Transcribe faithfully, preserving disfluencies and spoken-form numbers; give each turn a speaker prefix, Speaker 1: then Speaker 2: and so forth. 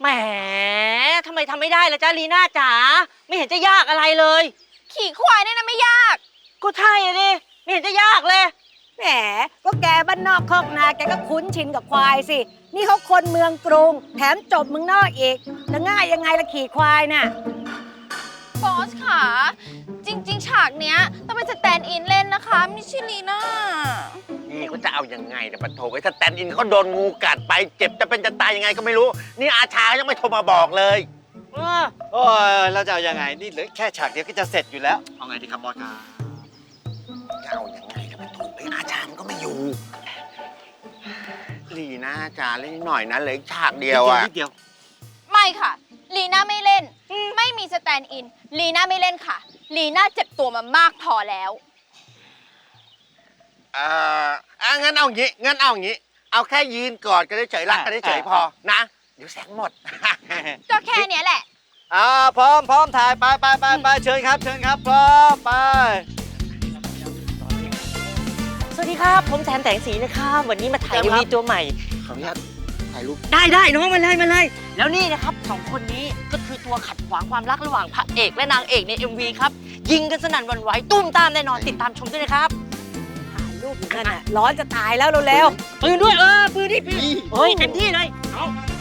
Speaker 1: แหมทำไมทำไม่ได้ล่ะจ๊ะลีน่าจ๋าไม่เห็นจะยากอะไรเลย
Speaker 2: ขี่ควายเนี่ยนะไม่ยาก
Speaker 1: ก็ใช่อะดิไม่เห็นจะยากเลย
Speaker 3: แหมก็แกบ้านนอกคอกนาแกก็คุ้นชินกับควายสินี่เขาคนเมืองกรุงแถมจบเมืองนอกอีกจะง่ายยังไงละขี่ควายน่ะ
Speaker 2: บอสค่ะจริงๆฉากเนี้ยต้องเป็นสแตนด์อินเล่นนะคะไม่ใช่ลีน่า
Speaker 4: นี่เขาจะเอายังไงเนี่ยปะโถไอ้สแตนด์อินเขาโดนงูกัดไปเจ็บจะเป็นจะตายยังไงก็ไม่รู้นี่อาชายังไม่โทรมาบอกเลย
Speaker 1: เออ
Speaker 5: โอ้ยเราจะเอายังไงนี่เหลือแค่ฉากเดียวก็จะเสร็จอยู่แล้วเอาไงดีครับบอสครับ
Speaker 4: จะเอายังไงเนี่ยปะโถไอ้อาชามันก็ไม่อยู่ลีน่าจ๋าเล่นนิดหน่อยนะเหลืออีกฉากเดียวอะ
Speaker 5: นิดเดียว
Speaker 2: ไม่ค่ะลีน่าไม่เล่นไม่มีสแตนด์อินลีน่าไม่เล่นค่ะลีน่าเจ็บตัวมามากพอแล้ว
Speaker 4: เอ่ออ่ะงั้นเอางี้งั้นเอางี้เอาแค่ยืนกอดกันเฉยๆรักกันเฉยๆพอนะเดี๋ยวแสงหมด
Speaker 2: ก็แค่เนี้ยแหละ
Speaker 5: อ่าพร้อมพร้อมถ่ายไปไปไปไปเชิญครับเชิญครับพร้อมไป
Speaker 1: สวัสดีครับผมแสนแสงสีนะครับวันนี้มาถ่ายเอ็มวีตัวใหม่
Speaker 4: ขออนุญาตถ่ายรูป
Speaker 1: ได้ได้น้องมาเลยมาเลยแล้วนี่นะครับสองคนนี้ก็คือตัวขัดขวางความรักระหว่างพระเอกและนางเอกใน เอ็ม วี ครับยิงกันสนั่นหวั่นไหวตุ้มตามแน่นอนติดตามชมด้วยนะครับ
Speaker 3: ถ่ายรูปอยู่นั่นน่ะร้อนจะตายแล้วเร็ว
Speaker 1: ปืนด้วยเออปืนดิปืนเฮ้ยเต็มที่เลยเอา